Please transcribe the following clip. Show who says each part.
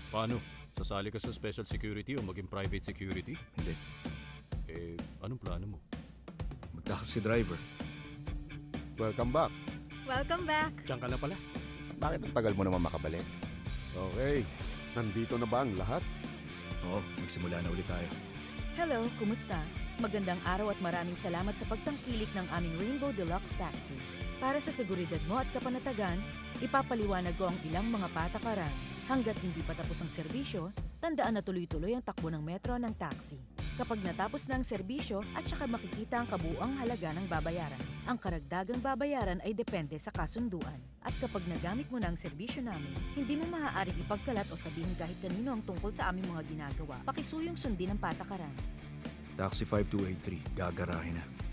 Speaker 1: Paano? Sasali ka sa special security o maging private security?
Speaker 2: Hindi.
Speaker 1: Anong plano mo?
Speaker 2: Magtakas si driver.
Speaker 3: Welcome back.
Speaker 4: Welcome back.
Speaker 1: Diyan ka na pala.
Speaker 3: Bakit ang tagal mo naman makabalik? Okay, nandito na ba ang lahat?
Speaker 2: Oo, magsimula na ulit tayo.
Speaker 5: Hello, kumusta? Magandang araw at maraming salamat sa pagtangkilik ng aming Rainbow Deluxe Taxi. Para sa seguridad mo at kapanatagan, ipapaliwanag ko ang ilang mga patakaran. Hanggat hindi pa tapos ang serbisyo, tandaan na tuloy-tuloy ang takbo ng metro ng taxi. Kapag natapos na ang serbisyo at saka makikita ang kabuuang halaga ng babayaran, ang karagdagang babayaran ay depende sa kasunduan. At kapag nagamit mo na ang serbisyo namin, hindi mo maaaring ipagkalat o sabihin kahit kanino ang tungkol sa aming mga ginagawa. Pakisuyong sundin ang patakaran.
Speaker 2: Taxi 5283, gagarahin na.